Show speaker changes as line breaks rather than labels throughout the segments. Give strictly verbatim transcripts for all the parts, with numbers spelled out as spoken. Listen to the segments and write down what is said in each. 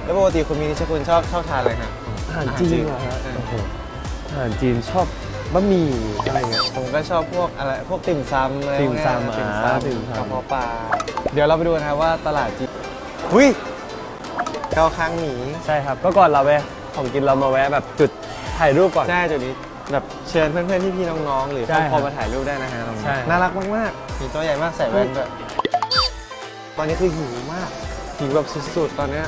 แล้วปกติคุณมีนิชคุณชอบชอบทานอะไรฮะ
อาหารจีนเหรอฮะโอ้โหอาหารจีนชอบบะหมี่อะไรเงี้ย
ผมก็ชอบพวกอะไรพวกติ่มซำอะไร
ติ่มซำ
พวกเนี้ยติ่ม
อ่า
ซำ
ติ่มซำ
กระเพาะปลาเดี๋ยวเราไปดูนะครับว่าตลาดจีนหุ้ยเกาคางหมี
ใช่ครับก็ก่อนเราไปของกินเรามาแวะแบบจุดถ่ายรูปก่อน
ใช่จุดนี้แบบเชิญเพื่อนๆพี่ๆน้องๆหรือค
ใช่
รอบครัว
ครับ
มาถ่ายรูปได้นะฮะตรงนี้
ใช่
น่ารักมากๆมีตัวใหญ่มากใส่แว่นด้วยตอนนี้คือหิวมากหิวแบบสุดๆตอนเนี้ย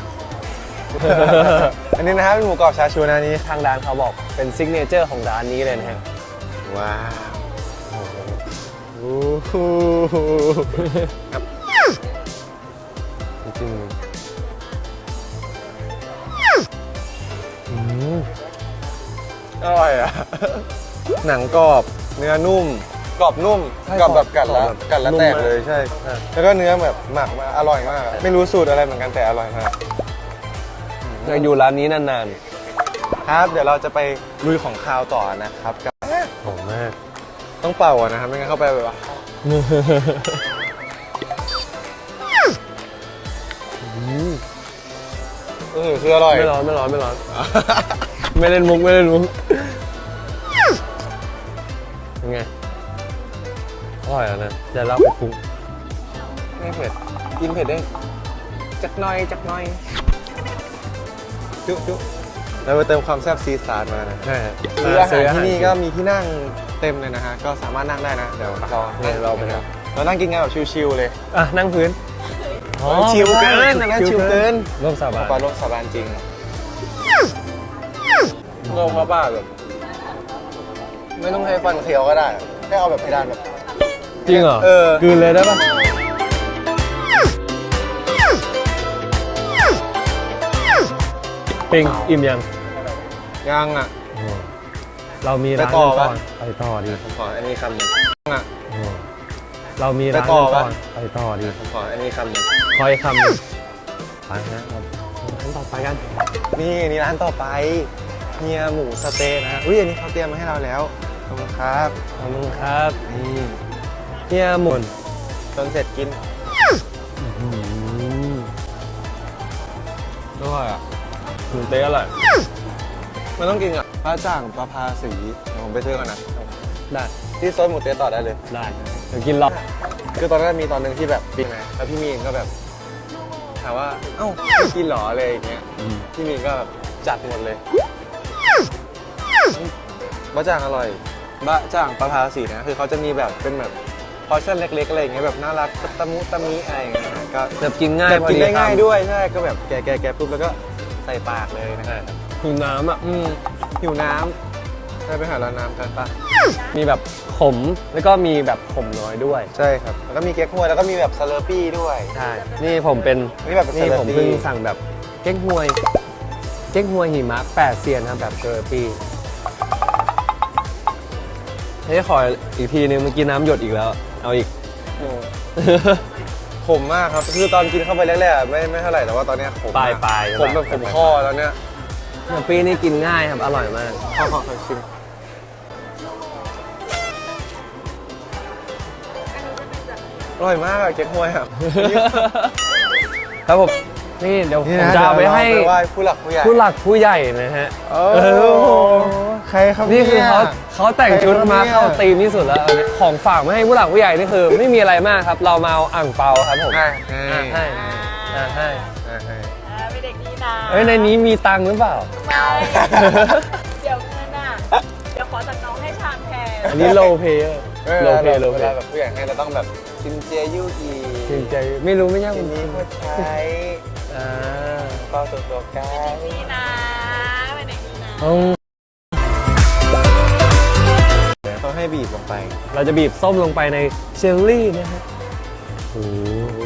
อันนี้นะครับเป็นหมูกรอบชาชูนะนี่
ทางร้านเขาบอกเป็นซิกเนเจอร์ของร้านนี้เลยนะฮะ
ว้าวโอ้โหครับ
จริงอืม
อร่อยอ่ะ หนังกรอบเนื้อนุ่มกรอบนุ่มกรอบแบบกัดแล้วกัดแล้วแตกเลยใช่ แล้วก็เนื้อแบบหมักมาอร่อยมากอะไม่รู้สูตรอะไรเหมือนกันแต่อร่อยมาก
อยากอยู่ร้านนี้นาน
ครับเดี๋ยวเราจะไปลุยของคาวต่อนะครับกับ
ๆหอมมาก
ต้องเป่าอะนะครับไม่งั้นเข้าไปแบบว่าเออคืออร่อย
ไม่ร้อนไม่ร้อนไม่ร้อน ไม่เล่นมุกไม่เล่นมุกเป็นไงอร่อยแล้วนะเดี๋ยวเราไปปรุง
ไม่เผ็ดกินเผ็ดได้จักหน่อยจักหน่อยจุ๊จุ๊เราไปเติมความแซ่บซีซาร์มานะ
ใช่ครับ
คืออาหารที่นี่ก็มีที่นั่งเต็มเลยนะฮะก็สามารถนั่งได้นะเดี๋ยวเรา
เนี่ยเราไปนะ
เรานั่งกินกันแบบชิลๆเลย
อ่ะนั่งพื้น
ชิลเกินอันนั้นชิลเกิน
ร่วมสาบาน
ปลาโลกสาบานจริงโลกพระบาทแบบไม่ต้องใช้ฟันเคี้ยวก็ได้แค่เอาแบบเพดานแบบ
จริงเหรอ
เออ
กลืนเลยได้ปะปิงอิ่มยัง
ยังอ่ะ
เรามีร้าน
ไปต่อ
กันก่
ปะ
อนไปต่อดี
ผมขออันนี้คำหนึ่งอ่ะ
เรามีร้าน
ไปต่
กั
อน
ก่อ
ปะ
นไปต่อดี
ผมขออันนี้คำหนึ่ง
คอยคำหนึ่งไปฮะเราร้านต่อไปกัน
นี่นี่ร้านต่อไปเฮียหมูสะเต๊ะนะฮะอุ้ยอันนี้เขาเตรียมมาให้เราแล้วขอบคุณครับ
ขอบคุณครับ
นี่
เฮียหมุน
จนเสร็จกิน
อร่อยอ่ะหมูเต๊ะอร่อย
มันต้องกินกับปลาจ่างปลาพาสีเดี๋ยวผมไปซื้อก่อนนะ
ได้
ที่ซอยหมูเต๊ะต่อได้เลย
ได้เดี๋ยวกินรอบ
คือตอนนั้นมีตอนหนึ่งที่แบบปีไหมแล้วพี่มีนก็แบบถามว่าเอ้าไม่กินเหรออะไรอย่างเงี้ยพี่มีนก็แบบจัดหมดเลยบะจ่างอร่อยบะจ่างปลาพาสีนะคือเขาจะมีแบบเป็นแบบพอร์ชั่นเล็กๆอะไรอย่างเงี้ยแบบน่ารักตะมุตะมิอะไรอย่างเงี้ยก็
แบบกินง่าย
แบบกินได้
พอ
ง่าย
คำ
ด้วยใช่ก็แบบแกะแกะแกะปุ๊บแล้วก็ใส่ปากเลยนะ
ใช่ครับหิวน้ำอ่ะ
อืมหิวน้ำได้ไปหาร้านน้ำกันปะ
มีแบบขมแล้วก็มีแบบขมน้อยด้วย
ใช่ครับแล้วก็มีเก๊กฮวยแล้วก็มีแบบสเลอร์ปี้ด้วย
ใช่ นี่ผมเป็น
นี่แบบเป็น
นี่ผม
Slurpee
เพิ่งสั่งแบบเก๊กฮวย เก๊กฮวยหิมะแปดเซียนครับแบบเซอร์ปี้เฮ้ยขออีกทีนึงเมื่อกี้น้ำหยดอีกแล้ว เอาอีก
อืม ขมมากครับ คือตอนกินเข้าไปแรกๆไม่ไม่เท่าไหร่แต่ว่าตอนเนี้ยขม
ปลาย
มาก
ปลาย
ขมแบบขมคอตอนเนี้ย
เซอร์ปี้นี่กินง่ายครับ อร่อยมาก
ขอขอขอชิมอร่อยมากอะเก๊กฮวยอะ
ครับผม นี่เดี๋ยวผมจะเอาไปให้
เดี๋ยวเราไปไหว้ผู้หลักผู้ใหญ่
ผู้หลักผู้ใหญ่นะฮะ
โอ้
เออ
โหใครครับ
นี่คือเขา
ย
เขาแต่งชุดมา
ใครครับเนี่ย
เข้าธีมที่สุดแล้วเอาเนี่ยของฝากมาให้ผู้หลักผู้ใหญ่นี่คือ ไม่มีอะไรมากครับ เรามาเอาอ่างเปาครับผม
ให้
อ่ะ
ให้
ให้อ่ะให้
ให้ให้
อ่าเป็นเด็กดีนะ
เอ้ยในนี้มีตังค์หรือเปล่า
ไม่ เดี๋ยวเงินอ่ะ เดี๋ยวขอจากน้องให้ชามแทน
อันนี้โลเพย์
เว
โล
ลา
เพย์โล
เว
เพ
ลา
ย์
แบบผู้ใหญ่ให้เราต้องแบบซินเจียยู่อี
จริงใจไม่รู้ไม่ยาก
ทีนี้ก็ใช้
อ่า
เป้าตัวตัวกัน
ดีนะเป็นเด็กดีนะ
อืม
เขาให้บีบลงไป
เราจะบีบส้มลงไปในเชลลี่นะฮะโอ้โห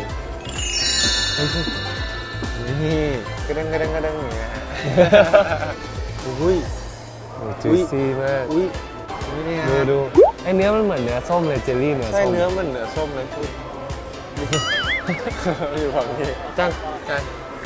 นี่กระเด้งกระเด้งกระเด้งอย่างเงี้ยฮะอุ้ย
จูซี่มาก
อุ้ยนี่เนี่ย
ดูดูไอเนื้อมันเหมือนเนื้อส้มเลยเจลลี่เนื้อ
ใช่
ส้ม
เนื้อมันเนื้อส้มเลยพูดอยู่ฝั่งนี้
จัง
ใช่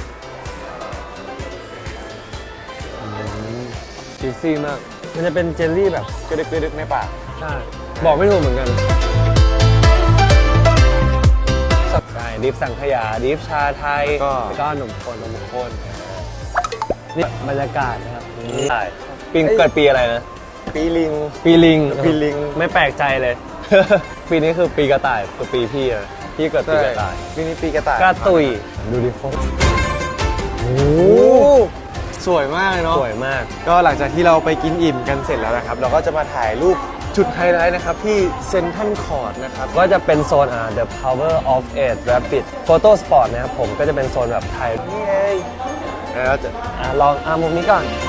จูซี่มาก มันจะเป็นเจลลี่แบบ
กระดึกกระดึกในปาก
ใช่บอกไม่ถูกเหมือนกันใช่ดิฟสังขยาดิฟชาไทย
ก็
แล้วก็ขนมข้นขนมข้นนี่บรรยากาศนะครับนี่ใช่ปีเกิดปีอะไรนะ
ปีลิง
ปีลิง
ปีลิง
ไม่แปลกใจเลย ปีนี้คือปีกระต่ายคือปีพี่อะพี่เกิดปีกระต่าย
ปีนี้ปีกระต่าย
กระตุยดูดิโอ้โห
โอ้สวยมากเลยเนาะ
สวยมาก
ก็หลังจากที่เราไปกินอิ่มกันเสร็จแล้วนะครับ เราก็จะมาถ่ายรูปจุดไฮไลท์นะครับที่เซนทรัลคอร์ดนะครับ
ก็จะเป็นโซนอ่า The Power of Eight Rapid Photo Spot นะครับผมก็จะเป็นโซนแบบถ่าย
นี่ไงแล้วจะ
อ่าลองอ่ามุมนี้ก่อน